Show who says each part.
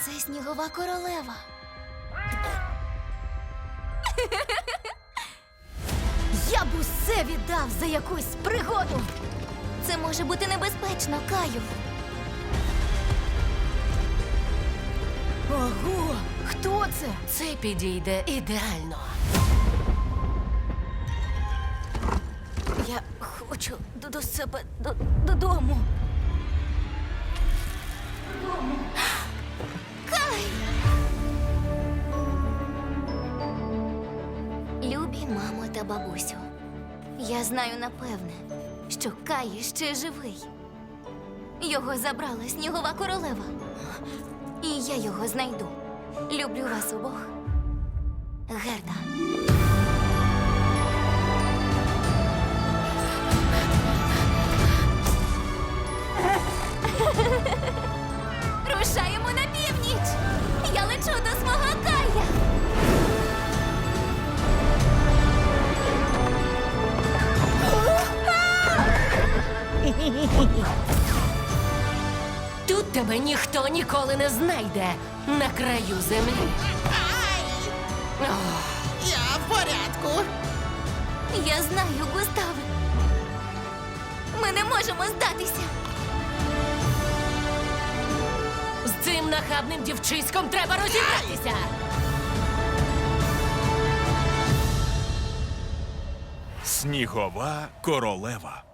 Speaker 1: Це снігова королева. Я б усе віддав за якусь пригоду. Це може бути небезпечно, Каю. Ого, хто це?
Speaker 2: Це підійде ідеально.
Speaker 1: Я хочу до себе додому. Кай! Любі мамо та бабусю, я знаю напевне, що Кай ще живий. Його забрала снігова королева. І я його знайду. Люблю вас обох. Герда. Рушаємо на північ! Я лечу до свого Кая!
Speaker 2: Тут тебе ніхто ніколи не знайде на краю землі.
Speaker 3: Я в порядку.
Speaker 1: Я знаю, Густаве. Ми не можемо здатися.
Speaker 2: З цим нахабним дівчиськом треба розібратися.
Speaker 4: Снігова королева.